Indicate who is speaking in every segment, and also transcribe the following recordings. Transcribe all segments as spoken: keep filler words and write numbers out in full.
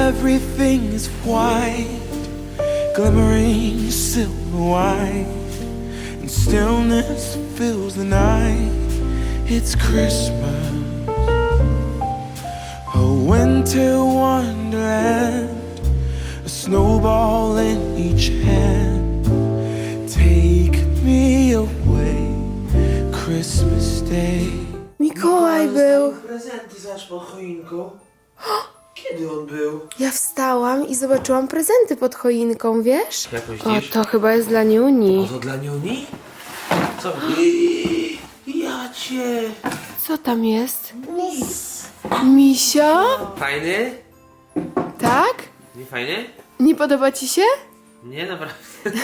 Speaker 1: everything is white, glimmering silver white, and stillness fills the night. It's Christmas, a winter wonderland, a snowball in each hand. Take me away, Christmas Day.
Speaker 2: Mikołaj był.
Speaker 3: Prezenty zaś pod choinką. Kiedy on był?
Speaker 2: Ja wstałam i zobaczyłam prezenty pod choinką, wiesz?
Speaker 3: Jak
Speaker 2: O,
Speaker 3: myślisz?
Speaker 2: to chyba jest dla Niuni.
Speaker 3: To dla Niuni? Co? Ja cię.
Speaker 2: Co tam jest? Misio?
Speaker 3: Fajny?
Speaker 2: Tak?
Speaker 3: Nie fajny?
Speaker 2: Nie podoba ci się?
Speaker 3: Nie, naprawdę.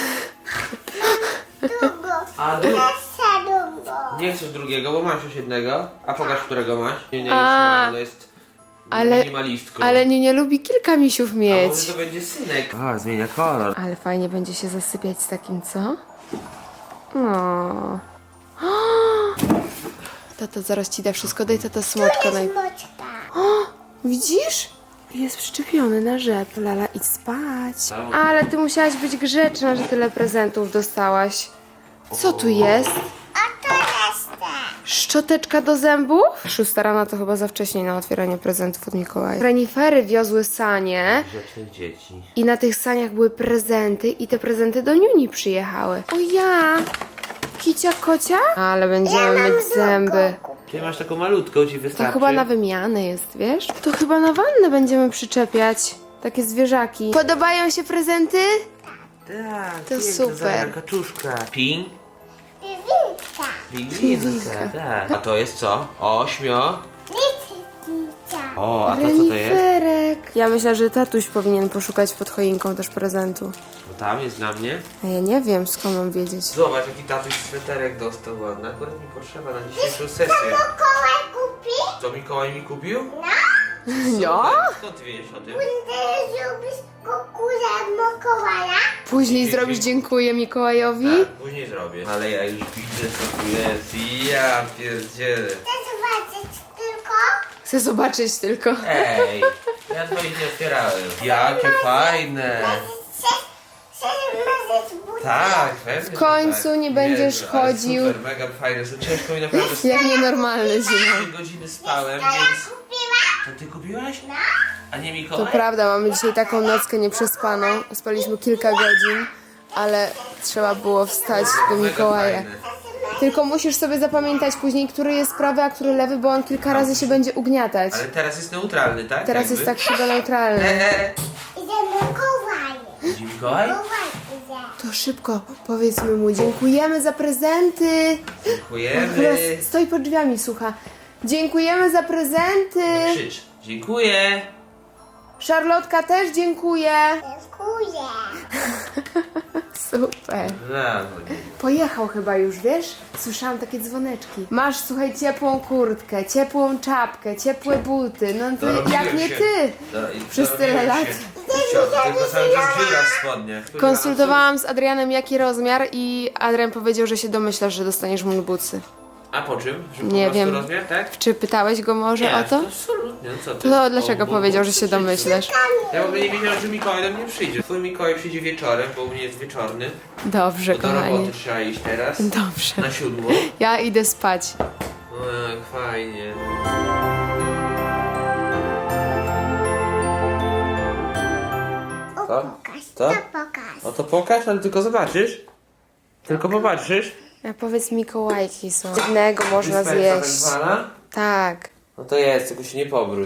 Speaker 3: A du... Nie chcesz drugiego, bo masz już jednego. A pokaż, którego masz. Nie, nie,
Speaker 2: A,
Speaker 3: już jest
Speaker 2: ale-
Speaker 3: minimalistką.
Speaker 2: Ale nie, nie lubi kilka misiów
Speaker 3: A
Speaker 2: mieć.
Speaker 3: może to będzie synek. A, zmienia kolor.
Speaker 2: Ale fajnie będzie się zasypiać z takim, co? No. Tato zaraz ci da wszystko, daj tata smoczka. Naj... O, widzisz? Jest przyczepiony na rzep. Lala, idź spać. Ale ty musiałaś być grzeczna, że tyle prezentów dostałaś. Co tu jest? Szczoteczka do zębów? Szósta rana to chyba za wcześnie na otwieranie prezentów od Mikołaja. Renifery wiozły sanie
Speaker 3: Grzecznych dzieci.
Speaker 2: i na tych saniach były prezenty i te prezenty do Niuni przyjechały. O ja! Kicia kocia? Ale będziemy mieć zęby.
Speaker 3: Ty masz taką malutką, ci
Speaker 2: To
Speaker 3: wystarczy.
Speaker 2: chyba na wymianę jest, wiesz? To chyba na wannę będziemy przyczepiać. Takie zwierzaki. Podobają się prezenty?
Speaker 3: Tak,
Speaker 2: To
Speaker 3: piękna,
Speaker 2: super.
Speaker 3: Zara, kaczuszka. Ping? Pingwinka, tak. A to jest co? Ośmio? O, a to co to jest?
Speaker 2: Reniferek. Ja myślę, że tatuś powinien poszukać pod choinką też prezentu.
Speaker 3: No tam jest dla mnie.
Speaker 2: A ja nie wiem, skąd mam wiedzieć.
Speaker 3: Zobacz, jaki tatuś sweterek dostał ładny. Akurat mi potrzeba na dzisiejszą sesję.
Speaker 4: Mikołaj kupi?
Speaker 3: Co Mikołaj mi kupił?
Speaker 2: No?
Speaker 3: Skąd ty wiesz o tym?
Speaker 4: Ty zrobisz kukurę Mikołaja?
Speaker 2: Później zrobisz dziękuję Mikołajowi?
Speaker 3: Tak, później zrobię. Ale ja już widzę, co tu jest. Ja pierdzielę.
Speaker 4: Chcesz zobaczyć tylko?
Speaker 2: Chcę zobaczyć tylko.
Speaker 3: Ej, ja twoich nie otwierałem. Jakie fajne.
Speaker 4: Chcesz, chcesz mazać buty?
Speaker 3: Tak, pewnie.
Speaker 2: W końcu
Speaker 3: że tak.
Speaker 2: nie będziesz
Speaker 3: Jezu, ale
Speaker 2: chodził.
Speaker 3: Super, mega fajne. Są ciężko mi naprawdę.
Speaker 2: Jak nienormalny zimą.
Speaker 3: trzy godziny spałem,
Speaker 4: Ja
Speaker 3: więc...
Speaker 4: kupiła?
Speaker 3: To ty kupiłaś? A nie
Speaker 2: To
Speaker 3: Mikołaj?
Speaker 2: prawda, mamy dzisiaj taką nockę nieprzespaną. Spaliśmy kilka godzin, ale trzeba było wstać do
Speaker 3: Mega
Speaker 2: Mikołaja.
Speaker 3: fajne.
Speaker 2: Tylko musisz sobie zapamiętać później, który jest prawy, a który lewy, bo on kilka razy się będzie ugniatać.
Speaker 3: Ale teraz jest neutralny, tak?
Speaker 2: Teraz
Speaker 3: Jakby?
Speaker 2: jest tak chyba neutralny.
Speaker 3: Eee.
Speaker 4: Idę Mikołaj.
Speaker 3: Idzie Mikołaj?
Speaker 4: Mikołaj idzie.
Speaker 2: To szybko powiedzmy mu dziękujemy za prezenty. Chyba
Speaker 3: Dziękujemy.
Speaker 2: stoi pod drzwiami, słucha. Dziękujemy za prezenty.
Speaker 3: Krzycz. Dziękuję.
Speaker 2: Szarlotka też dziękuję.
Speaker 4: Dziękuję.
Speaker 2: Super.
Speaker 3: Brawo.
Speaker 2: Pojechał chyba już, wiesz? Słyszałam takie dzwoneczki. Masz, słuchaj, ciepłą kurtkę, ciepłą czapkę, ciepłe buty. No ty,
Speaker 3: Dorobiłem
Speaker 2: jak nie
Speaker 3: się.
Speaker 2: ty.
Speaker 3: Do- i
Speaker 2: Przez tyle
Speaker 3: dorobiłem
Speaker 2: lat.
Speaker 3: się. Cio- Tylko cały czas dziura w spodniach.
Speaker 2: Konsultowałam z Adrianem jaki rozmiar i Adrian powiedział, że się domyślasz, że dostaniesz mu bucy.
Speaker 3: A po czym? Że po
Speaker 2: Nie
Speaker 3: prostu
Speaker 2: wiem.
Speaker 3: rozmiar, tak?
Speaker 2: Czy pytałeś go może
Speaker 3: Nie,
Speaker 2: o to?
Speaker 3: absolutnie. No co ty?
Speaker 2: To dlaczego
Speaker 3: O, bo-
Speaker 2: powiedział,
Speaker 3: bo
Speaker 2: że się
Speaker 3: przyjdzie.
Speaker 2: domyślasz?
Speaker 3: Ja w ogóle nie wiedziałem, że Mikołaj do mnie przyjdzie. Twój Mikołaj przyjdzie wieczorem, bo u mnie jest wieczorny.
Speaker 2: Dobrze,
Speaker 3: Do
Speaker 2: kochani.
Speaker 3: roboty trzeba iść teraz.
Speaker 2: Dobrze.
Speaker 3: Na siódmą.
Speaker 2: Ja idę spać.
Speaker 3: O, jak fajnie.
Speaker 4: O,
Speaker 3: Co?
Speaker 4: pokaż,
Speaker 3: Co?
Speaker 4: to pokaż.
Speaker 3: No to pokaż, ale tylko zobaczysz. Tylko popatrzysz.
Speaker 2: A powiedz Mikołajki są. Jednego można
Speaker 3: Wyspa jest tak
Speaker 2: zjeść.
Speaker 3: zwana?
Speaker 2: Tak.
Speaker 3: No to jest, tylko się nie powróć.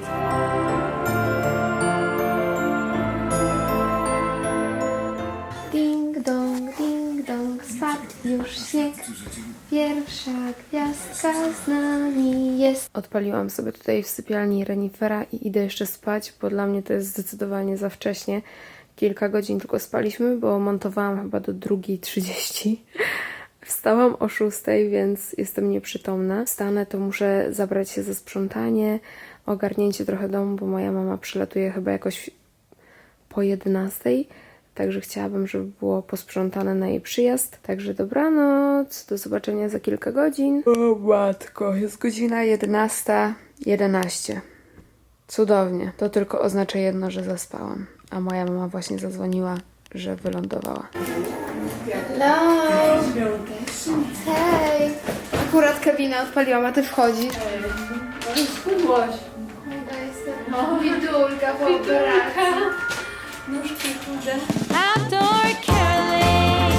Speaker 2: Ding dong, ding dong, spadł już śnieg. Pierwsza gwiazdka z nami jest. Odpaliłam sobie tutaj w sypialni renifera i idę jeszcze spać, bo dla mnie to jest zdecydowanie za wcześnie. Kilka godzin tylko spaliśmy, bo montowałam chyba do drugiej trzydzieści. Wstałam o szóstej, więc jestem nieprzytomna. Wstanę, to muszę zabrać się za sprzątanie, ogarnięcie trochę domu, bo moja mama przylatuje chyba jakoś po jedenastej. Także chciałabym, żeby było posprzątane na jej przyjazd. Także dobranoc, do zobaczenia za kilka godzin. O matko, jest godzina jedenasta jedenaście. Cudownie. To tylko oznacza jedno, że zaspałam. A moja mama właśnie zadzwoniła, że wylądowała. Hello! Hej! Akurat kabinę odpaliłam, a ty wchodzisz. Hej. Schudłaś. No. Widulka po operacji. Nóżki chude.
Speaker 5: Outdoor caroling,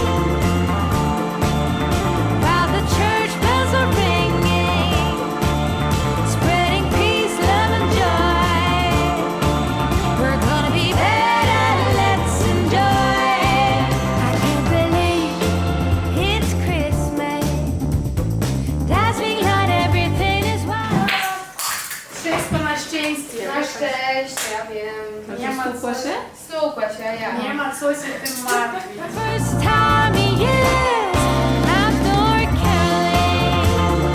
Speaker 5: while the church bells are ringing, spreading peace, love and joy. We're gonna be better, let's enjoy. I can't believe it's Christmas. Dazzling light, everything is wild.
Speaker 2: Wszystko na szczęście. Na szczęście, ja wiem.
Speaker 6: Nie ma co się?
Speaker 2: Stukła się, ja.
Speaker 6: Nie ma co się tym martwić.
Speaker 5: First time of year, outdoor caroling,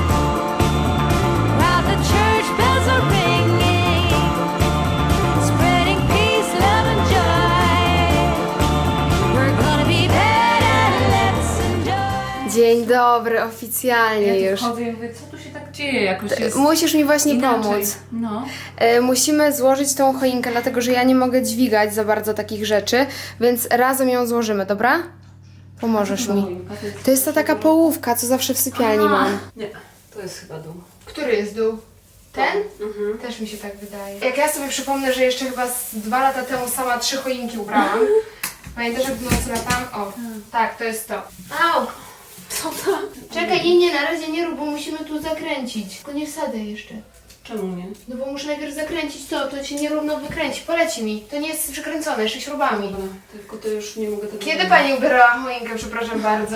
Speaker 5: while the church bells are ringing, spreading peace, love and joy. We're gonna be better, let's enjoy.
Speaker 2: Dzień dobry, oficjalnie
Speaker 6: Ja
Speaker 2: już.
Speaker 6: tu chodzę i mówię, co tu się tak dzieje? Jakoś jest
Speaker 2: Musisz mi właśnie
Speaker 6: inaczej.
Speaker 2: pomóc.
Speaker 6: No.
Speaker 2: E, musimy złożyć tą choinkę, dlatego że ja nie mogę dźwigać za bardzo takich rzeczy, więc razem ją złożymy, dobra? Pomożesz mi. To jest ta taka połówka, co zawsze w sypialni mam.
Speaker 6: Nie, to jest chyba dół.
Speaker 2: Który jest dół? Ten? Mhm. Też mi się tak wydaje. Jak ja sobie przypomnę, że jeszcze chyba z dwa lata temu sama trzy choinki ubrałam. Pamiętasz, jak w nocy latam? O, tak, to jest to. Au!
Speaker 6: Co to?
Speaker 2: Czekaj, nie, nie, na razie nie rób, bo musimy tu zakręcić. Tylko nie wsadzę jeszcze.
Speaker 6: Czemu nie?
Speaker 2: No bo muszę najpierw zakręcić to, to się nierówno wykręci. Poleci mi. To nie jest przykręcone, jeszcze śrubami.
Speaker 6: Dobra, tylko to już nie mogę tego
Speaker 2: Kiedy
Speaker 6: zrobić.
Speaker 2: pani ubierała choinkę, przepraszam bardzo?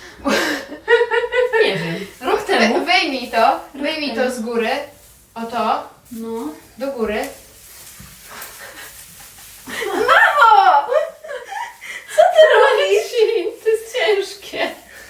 Speaker 6: Nie wiem. Rok temu.
Speaker 2: Wy, wyjmij to, wyjmij to z góry. O to,
Speaker 6: No.
Speaker 2: do góry. Mamo! Co ty robisz?
Speaker 6: To jest ciężkie.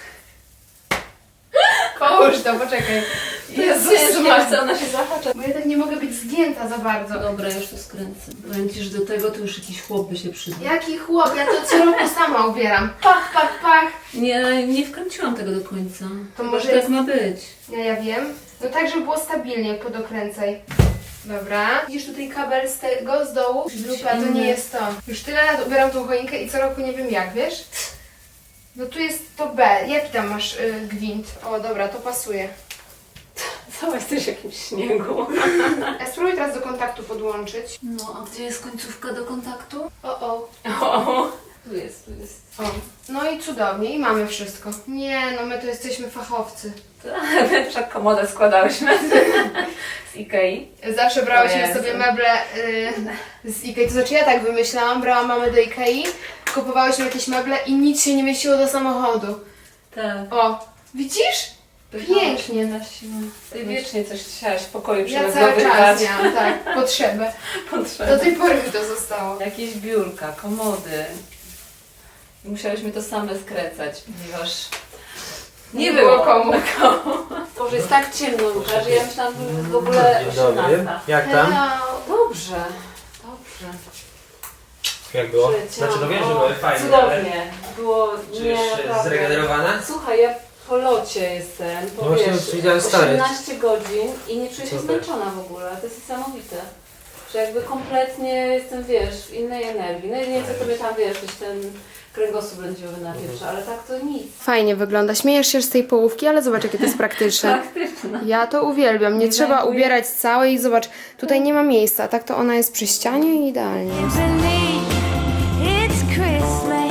Speaker 2: Połóż to, poczekaj.
Speaker 6: Jezus,
Speaker 2: Jezus,
Speaker 6: Maria, ona się zahacza.
Speaker 2: bo ja tak nie mogę być zgięta za bardzo.
Speaker 6: Dobra, już to skręcę. Powiem ci, że do tego to już jakiś chłop by się przydał.
Speaker 2: Jaki chłop, ja to co roku sama ubieram. Pach, pach, pach.
Speaker 6: Nie, nie wkręciłam tego do końca.
Speaker 2: To
Speaker 6: Chyba,
Speaker 2: może
Speaker 6: że tak
Speaker 2: jest-
Speaker 6: ma być.
Speaker 2: Ja, ja wiem. No tak, żeby było stabilnie, podokręcaj. Dobra. Widzisz tutaj kabel z tego, z dołu? Grupa, to nie jest to. Już tyle lat ubieram tą choinkę i co roku nie wiem jak, wiesz? No tu jest to B. Jaki tam masz y, gwint? O, dobra, to pasuje.
Speaker 6: Cała jesteś w jakimś śniegu.
Speaker 2: Ja spróbuj teraz do kontaktu podłączyć.
Speaker 6: No, a gdzie jest końcówka do kontaktu?
Speaker 2: O, o.
Speaker 6: O, tu jest, tu jest.
Speaker 2: O. No i cudownie, i mamy wszystko. Nie, no my to jesteśmy fachowcy.
Speaker 6: Tak, wszak komodę składałyśmy z Ikei.
Speaker 2: Zawsze brałyśmy
Speaker 6: Jezu.
Speaker 2: sobie meble y, z Ikei. To znaczy ja tak wymyślałam, brałam mamy do Ikei, kupowałyśmy jakieś meble i nic się nie mieściło do samochodu.
Speaker 6: Tak.
Speaker 2: O, widzisz? Pięknie.
Speaker 6: na siłę. Ty wiecznie coś chciałaś w pokoju
Speaker 2: Ja cały
Speaker 6: przerozdobywać.
Speaker 2: czas miałam, tak, potrzebę. Do
Speaker 6: Potrzebne.
Speaker 2: tej pory mi to zostało.
Speaker 6: Jakieś biurka, komody. I musiałyśmy to same skręcać, ponieważ nie,
Speaker 2: Nie było
Speaker 6: było
Speaker 2: komu.
Speaker 6: komu. Boże, jest tak ciemno, Łukasz, że ja myślałam, że w ogóle osiemnasta.
Speaker 3: Jak tam?
Speaker 2: Hello.
Speaker 6: Dobrze, dobrze.
Speaker 3: Jak było?
Speaker 6: Przyleciałam.
Speaker 3: Znaczy, no wiem, że były fajne, ale
Speaker 6: Cudownie. Było
Speaker 3: czy
Speaker 6: nie
Speaker 3: już
Speaker 6: naprawdę.
Speaker 3: zregenerowana?
Speaker 6: Słuchaj, ja po locie jestem,
Speaker 3: No
Speaker 6: po
Speaker 3: właśnie,
Speaker 6: wiesz,
Speaker 3: widziałem story.
Speaker 6: osiemnaście godzin i nie czuję się
Speaker 3: Super.
Speaker 6: zmęczona w ogóle. To jest niesamowite. Że jakby kompletnie jestem, wiesz, w innej energii. No i nie chcę sobie tam, wiesz, gdzieś ten kręgosłup lędźwiowy napieprza, ale tak to nic.
Speaker 2: Fajnie wygląda. Śmiejesz się z tej połówki, ale zobacz, jakie to jest praktyczne.
Speaker 6: Praktyczne.
Speaker 2: Ja to uwielbiam. Nie
Speaker 6: Nie
Speaker 2: trzeba
Speaker 6: zajmuje-
Speaker 2: ubierać całej i zobacz, tutaj nie ma miejsca, a tak to ona jest przy ścianie i idealnie.
Speaker 5: Believe it's Christmas.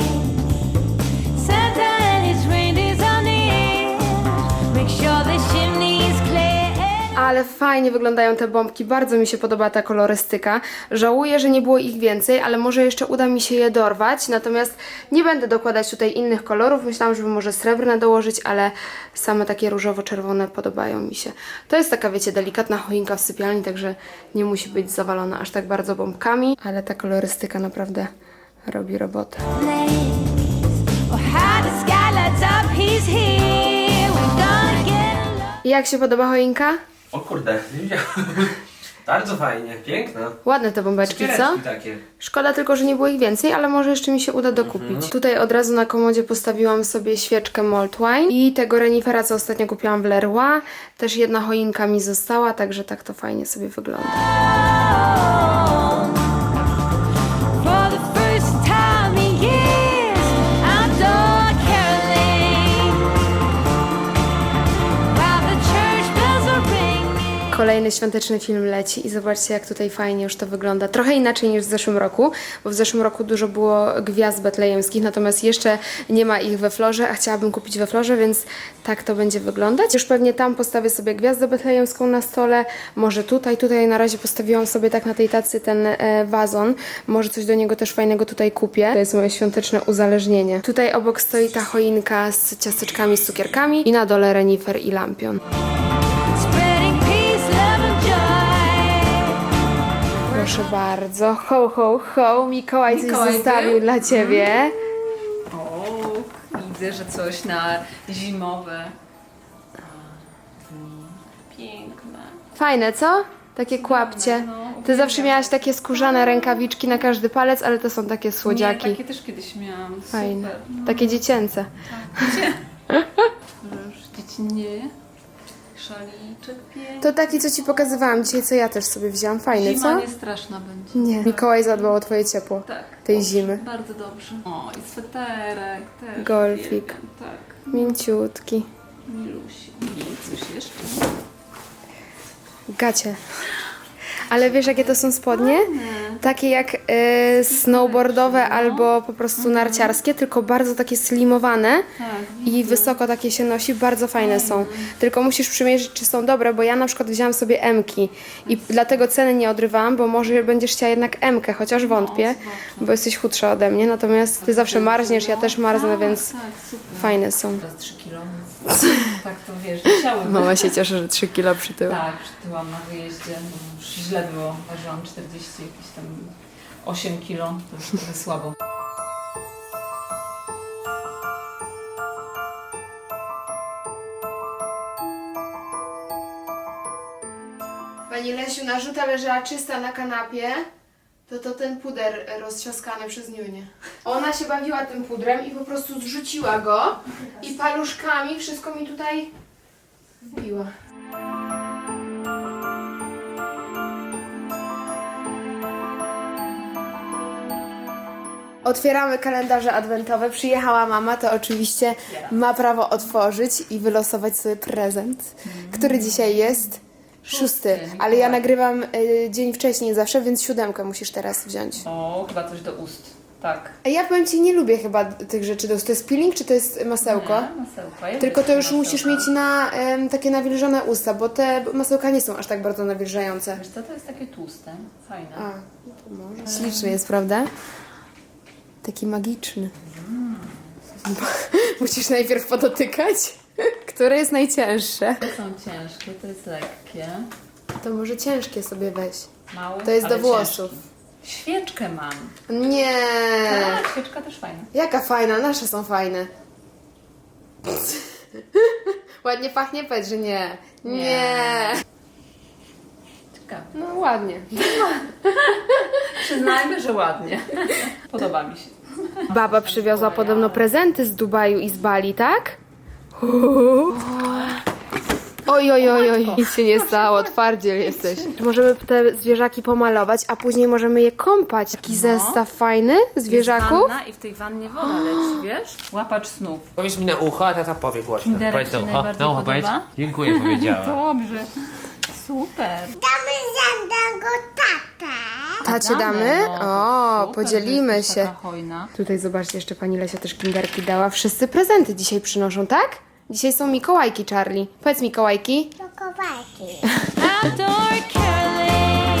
Speaker 5: Santa and his reindeer's on the air. Make sure the chimney is clear.
Speaker 2: Ale fajnie wyglądają te bombki, bardzo mi się podoba ta kolorystyka. Żałuję, że nie było ich więcej, ale może jeszcze uda mi się je dorwać. Natomiast nie będę dokładać tutaj innych kolorów. Myślałam, żeby może srebrne dołożyć, ale same takie różowo-czerwone podobają mi się. To jest taka, wiecie, delikatna choinka w sypialni, także nie musi być zawalona aż tak bardzo bombkami. Ale ta kolorystyka naprawdę robi robotę.
Speaker 5: Oh, how the sky lights up, he's here. We're gonna get along.
Speaker 2: I jak się podoba choinka?
Speaker 3: O kurde, nie wiedziałem. Bardzo fajnie, piękna.
Speaker 2: Ładne te bombeczki, co?
Speaker 3: Cukiereczki takie.
Speaker 2: Szkoda tylko, że nie było ich więcej, ale może jeszcze mi się uda dokupić. Tutaj od razu na komodzie postawiłam sobie świeczkę Malt Wine i tego renifera, co ostatnio kupiłam w Leroy. Też jedna choinka mi została, także tak to fajnie sobie wygląda.
Speaker 5: For the first time in years, I adore Caroline. While the church bells are ringing.
Speaker 2: Kolejny świąteczny film leci i zobaczcie, jak tutaj fajnie już to wygląda. Trochę inaczej niż w zeszłym roku, bo w zeszłym roku dużo było gwiazd betlejemskich, natomiast jeszcze nie ma ich we florze, a chciałabym kupić we florze, więc tak to będzie wyglądać. Już pewnie tam postawię sobie gwiazdę betlejemską na stole, może tutaj, tutaj na razie postawiłam sobie tak na tej tacy ten e, wazon, może coś do niego też fajnego tutaj kupię. To jest moje świąteczne uzależnienie. Tutaj obok stoi ta choinka z ciasteczkami, z cukierkami i na dole renifer i lampion.
Speaker 5: Spreading peace, love and joy.
Speaker 2: Proszę bardzo. Ho, ho, ho. Mikołaj coś
Speaker 6: Mikołaj
Speaker 2: zostawił
Speaker 6: był?
Speaker 2: dla Ciebie.
Speaker 6: O, widzę, że coś na zimowe. Piękne.
Speaker 2: Fajne, co? Takie kłapcie.
Speaker 6: no,
Speaker 2: Ty zawsze miałaś takie skórzane rękawiczki na każdy palec, ale to są takie słodziaki.
Speaker 6: Nie, takie też kiedyś miałam.
Speaker 2: Fajne.
Speaker 6: Super. No,
Speaker 2: Takie dziecięce.
Speaker 6: że już dziecinnieje. Szaliczek piękny.
Speaker 2: To taki, co Ci pokazywałam dzisiaj, co ja też sobie wzięłam. Fajny,
Speaker 6: Zima
Speaker 2: co?
Speaker 6: nie straszna będzie.
Speaker 2: Nie. Mikołaj zadbał o Twoje ciepło
Speaker 6: Tak.
Speaker 2: tej zimy.
Speaker 6: Bardzo dobrze. O, i sweterek też.
Speaker 2: Golfik.
Speaker 6: uwielbiam. Tak.
Speaker 2: Mięciutki.
Speaker 6: Milusi. I coś jeszcze.
Speaker 2: Gacie. Ale wiesz, jakie to są spodnie? Takie jak e, snowboardowe albo po prostu narciarskie, tylko bardzo takie slimowane
Speaker 6: Tak.
Speaker 2: i wysoko takie się nosi, bardzo fajne są. Tylko musisz przymierzyć, czy są dobre, bo ja na przykład wzięłam sobie M-ki i dlatego ceny nie odrywałam, bo może będziesz chciała jednak M-kę, chociaż wątpię, bo jesteś chudsza ode mnie, natomiast ty zawsze marzniesz, ja też marznę, więc
Speaker 6: Tak, super.
Speaker 2: fajne są.
Speaker 6: Teraz trzy kilo. Tak to wiesz, musiały
Speaker 2: Mama się cieszy, że trzy kilo przytyła.
Speaker 6: Tak, przytyłam na wyjeździe. No, już źle było. Ważyłam czterdzieści, jakieś tam osiem kilo. To już trochę słabo.
Speaker 2: Pani Lesiu, narzuta leżała czysta na kanapie, to to ten puder roztrzaskany przez Niunię. Ona się bawiła tym pudrem i po prostu zrzuciła go i paluszkami wszystko mi tutaj wbiła. Otwieramy kalendarze adwentowe. Przyjechała mama, to oczywiście ma prawo otworzyć i wylosować sobie prezent, który dzisiaj jest szósty. Ale ja nagrywam y, dzień wcześniej zawsze, więc siódemkę musisz teraz wziąć.
Speaker 6: O, chyba coś do ust. Tak.
Speaker 2: A ja powiem Ci, nie lubię chyba tych rzeczy. To jest peeling, czy to jest masełko?
Speaker 6: Nie, masełko. Ja
Speaker 2: Tylko
Speaker 6: lubię
Speaker 2: to już
Speaker 6: masełka.
Speaker 2: musisz mieć na em, takie nawilżone usta, bo te masełka nie są aż tak bardzo nawilżające.
Speaker 6: Wiesz co, to jest takie tłuste. Fajne.
Speaker 2: A, to może. Śliczny jest, prawda? Taki magiczny. Musisz najpierw podotykać, które jest najcięższe.
Speaker 6: To są ciężkie, to jest lekkie.
Speaker 2: To może ciężkie sobie weź.
Speaker 6: Mały,
Speaker 2: To jest
Speaker 6: ale
Speaker 2: do włosów.
Speaker 6: ciężki. Świeczkę mam.
Speaker 2: Nie.
Speaker 6: Tak, świeczka też fajna.
Speaker 2: Jaka fajna, nasze są fajne. Ładnie pachnie, powiedz, że nie. Nie.
Speaker 6: Nie. Ciekawe.
Speaker 2: No ładnie.
Speaker 6: Przyznajmy, że ładnie. Podoba mi się.
Speaker 2: Baba przywiozła podobno prezenty z Dubaju i z Bali, tak? Oj, oj, oj, oj, nic się nie stało, twardziel jesteś. Możemy te zwierzaki pomalować, a później możemy je kąpać. Taki zestaw fajny zwierzaków.
Speaker 6: Wanna i w tej wannie woda leci, wiesz? Łapacz snów.
Speaker 3: Powiedz mi na ucho, a tata powie głośno.
Speaker 6: Kinderek
Speaker 3: Powiedz
Speaker 6: ci
Speaker 3: na ucho.
Speaker 6: najbardziej
Speaker 3: Na ucho powiedz.
Speaker 6: podoba?
Speaker 3: Dziękuję, powiedziała.
Speaker 6: Dobrze. Super.
Speaker 4: Damy żadnego tatę.
Speaker 2: Tacie damy?
Speaker 6: no,
Speaker 2: O,
Speaker 6: super,
Speaker 2: podzielimy
Speaker 6: że jesteś
Speaker 2: się.
Speaker 6: taka hojna.
Speaker 2: Tutaj zobaczcie, jeszcze pani Lesia też kinderki dała. Wszyscy prezenty dzisiaj przynoszą, tak? Dzisiaj są Mikołajki, Charlie. Powiedz Mikołajki.
Speaker 4: Do kowalki.
Speaker 5: Outdoor caroling.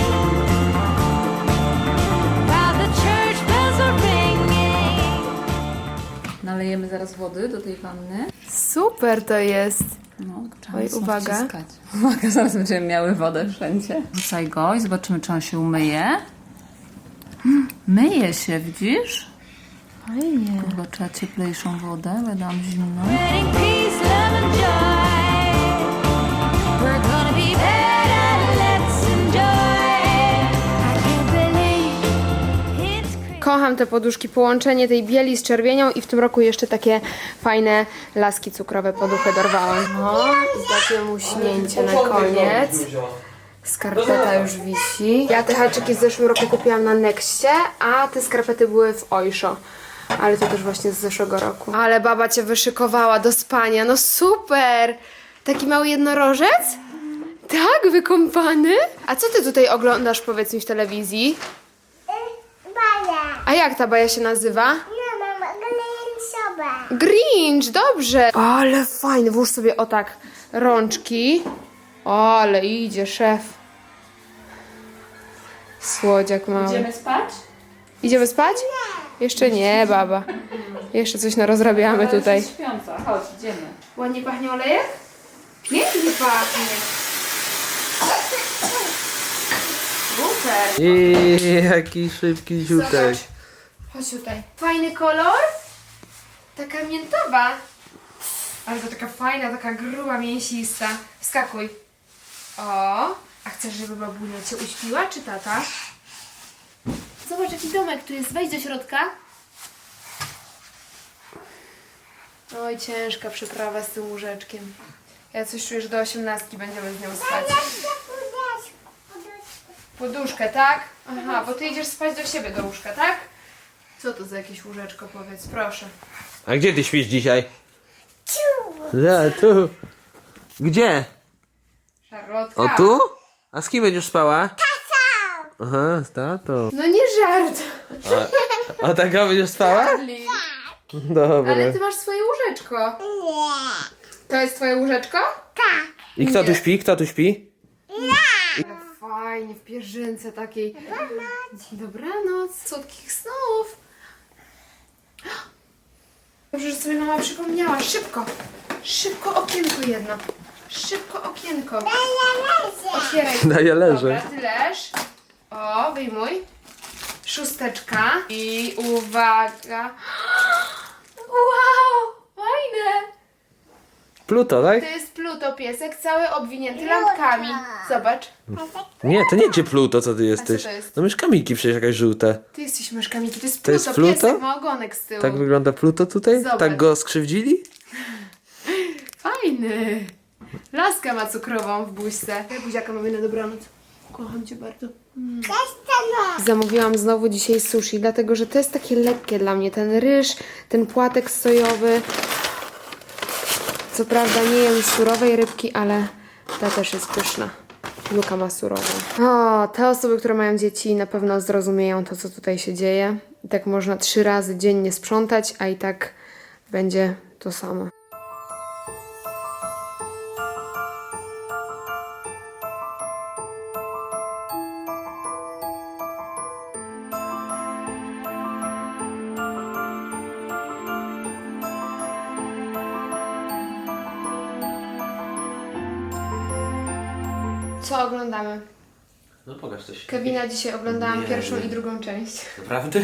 Speaker 5: While the church bells are ringing.
Speaker 6: Nalejemy zaraz wody do tej wanny.
Speaker 2: Super to jest.
Speaker 6: No, trzeba
Speaker 2: Oj,
Speaker 6: mocno
Speaker 2: uwaga.
Speaker 6: wciskać. Uwaga, zaraz będziemy miały wodę wszędzie. Wrzucaj go i zobaczymy, czy on się umyje. Hmm, myje się, widzisz?
Speaker 2: Fajnie.
Speaker 6: Chyba trzeba cieplejszą wodę, bo ja dałam zimną.
Speaker 5: Spreading peace, love and joy. We're gonna be better, let's enjoy.
Speaker 2: Kocham te poduszki, połączenie tej bieli z czerwienią i w tym roku jeszcze takie fajne laski cukrowe poduchy dorwałam. No i takie muśnięcie na koniec. Skarpeta już wisi. Ja te haczyki w zeszłym roku kupiłam na Nexcie, a te skarpety były w Oysho. Ale to też właśnie z zeszłego roku. Ale baba cię wyszykowała do spania. No super! Taki mały jednorożec? Tak, wykąpany? A co ty tutaj oglądasz, powiedz mi, w telewizji?
Speaker 4: Baja.
Speaker 2: A jak ta baja się nazywa?
Speaker 4: No, mama, glęcowa.
Speaker 2: Grinch, dobrze! Ale fajny, włóż sobie o tak rączki. O, ale idzie szef. Słodziak mały.
Speaker 6: Idziemy spać?
Speaker 2: Idziemy spać? Jeszcze nie, baba. Jeszcze coś narozrabiamy
Speaker 6: Ale
Speaker 2: tutaj.
Speaker 6: jesteś śpiąca. Chodź, idziemy.
Speaker 2: Ładnie pachnie olejek? Pięknie pachnie. Super.
Speaker 3: I jaki szybki ziutek.
Speaker 2: Zobacz. Chodź tutaj. Fajny kolor. Taka miętowa. Ale to taka fajna, taka gruba, mięsista. Wskakuj. O. A chcesz, żeby babunia cię uśpiła, czy tata? Zobacz, jaki domek tu jest. Wejdź do środka. Oj, ciężka przeprawa z tym łóżeczkiem. Ja coś czuję, że do osiemnastki będziemy z nią spać. Poduszkę, tak? Aha, bo ty idziesz spać do siebie do łóżka, tak? Co to za jakieś łóżeczko, powiedz, proszę.
Speaker 3: A gdzie ty śpisz dzisiaj? Ja, tu. Gdzie?
Speaker 2: Szarlotka.
Speaker 3: O tu? A z kim będziesz spała? Aha, z tatą.
Speaker 2: No nie żart.
Speaker 3: A taka będziesz spała?
Speaker 2: Charlie.
Speaker 3: Dobra.
Speaker 2: Ale ty masz swoje łóżeczko.
Speaker 4: Nie.
Speaker 2: To jest twoje łóżeczko?
Speaker 4: Tak.
Speaker 3: I kto tu śpi? Kto tu śpi?
Speaker 2: Ale fajnie, w pierzynce takiej. Dobranoc. Słodkich snów. Dobrze, że sobie mama przypomniała. Szybko. Szybko okienko jedno. Szybko okienko. Otwieraj.
Speaker 3: No ja
Speaker 2: Dobra,
Speaker 3: leżę.
Speaker 2: ty leż. O, wyjmuj. Szósteczka. I uwaga. Wow, fajne.
Speaker 3: Pluto, tak?
Speaker 2: To jest Pluto, piesek, cały obwinięty lampkami. Zobacz.
Speaker 3: Nie, to nie cię Pluto, co ty jesteś.
Speaker 2: to jest?
Speaker 3: No myszka Miki przecież jakaś żółta.
Speaker 2: Ty jesteś myszkami, to jest
Speaker 3: To
Speaker 2: Pluto,
Speaker 3: jest Pluto?
Speaker 2: piesek, ma ogonek z tyłu.
Speaker 3: Tak wygląda Pluto tutaj?
Speaker 2: Zobacz.
Speaker 3: Tak go skrzywdzili?
Speaker 2: Fajny. Laskę ma cukrową w buźce. Ja buziaka mamy na dobranoc. Kocham cię bardzo. Zamówiłam znowu dzisiaj sushi, dlatego że to jest takie lekkie dla mnie. Ten ryż, ten płatek sojowy. Co prawda nie jem surowej rybki, ale ta też jest pyszna. Luka ma surową. O, te osoby, które mają dzieci, na pewno zrozumieją to, co tutaj się dzieje. I tak można trzy razy dziennie sprzątać, a i tak będzie to samo. Co oglądamy?
Speaker 3: No pokaż coś.
Speaker 2: Kevina dzisiaj oglądałam
Speaker 3: Nie,
Speaker 2: pierwszą
Speaker 3: nie.
Speaker 2: i drugą część.
Speaker 3: Naprawdę?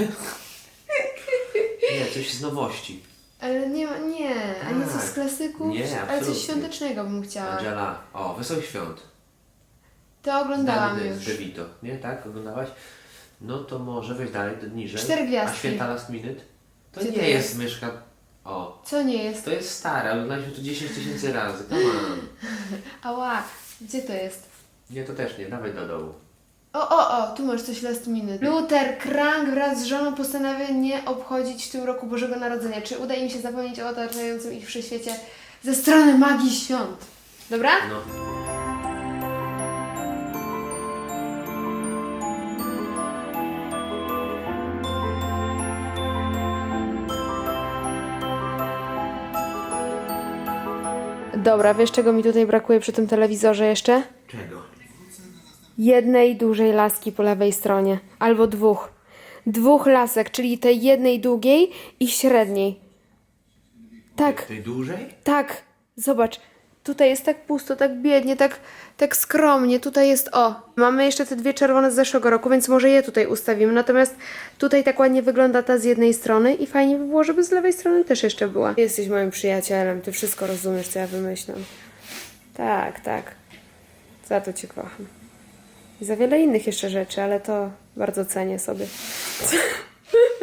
Speaker 3: Nie, coś z nowości.
Speaker 2: Ale nie ma, nie, a nie coś z
Speaker 3: Tak.
Speaker 2: klasyków,
Speaker 3: Nie,
Speaker 2: ale
Speaker 3: absolutnie.
Speaker 2: coś świątecznego bym chciała.
Speaker 3: Angela. O, Wesołych Świąt.
Speaker 2: To oglądałam
Speaker 3: Znany
Speaker 2: już.
Speaker 3: Z DeVito. Nie, tak? Oglądałaś? No to może weź dalej, to niżej.
Speaker 2: Cztery gwiazdki.
Speaker 3: A Święta Last Minute? To
Speaker 2: Gdzie
Speaker 3: nie
Speaker 2: to
Speaker 3: jest
Speaker 2: jest?
Speaker 3: myszka... O.
Speaker 2: Co nie jest?
Speaker 3: To jest stare, oglądaliśmy to dziesięć tysięcy razy. Come on.
Speaker 2: Ała, gdzie to jest?
Speaker 3: Nie, to też nie. Dawaj do dołu.
Speaker 2: O, o, o, tu masz coś last minute. Luther Crank wraz z żoną postanawia nie obchodzić w tym roku Bożego Narodzenia. Czy uda im się zapomnieć o otaczającym ich wszechświecie ze strony magii świąt? Dobra?
Speaker 3: No.
Speaker 2: Dobra, wiesz czego mi tutaj brakuje przy tym telewizorze jeszcze?
Speaker 3: Czego?
Speaker 2: Jednej dużej laski po lewej stronie. Albo dwóch. Dwóch lasek, czyli tej jednej długiej i średniej. Tak,
Speaker 3: Tej dłużej?
Speaker 2: tak. Zobacz. Tutaj jest tak pusto, tak biednie, tak, tak skromnie. Tutaj jest o. Mamy jeszcze te dwie czerwone z zeszłego roku, więc może je tutaj ustawimy. Natomiast tutaj tak ładnie wygląda ta z jednej strony i fajnie by było, żeby z lewej strony też jeszcze była. Ty jesteś moim przyjacielem, ty wszystko rozumiesz, co ja wymyślam. Tak, tak. Za to cię kocham. I za wiele innych jeszcze rzeczy, ale to bardzo cenię sobie.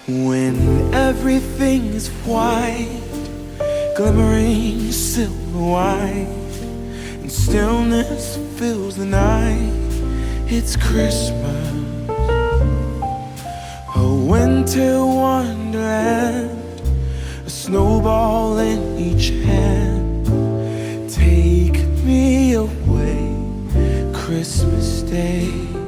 Speaker 1: When everything is white, glimmering silver white, and stillness fills the night, it's Christmas. A winter wonderland, a snowball in each hand. Take me away, Christmas Day.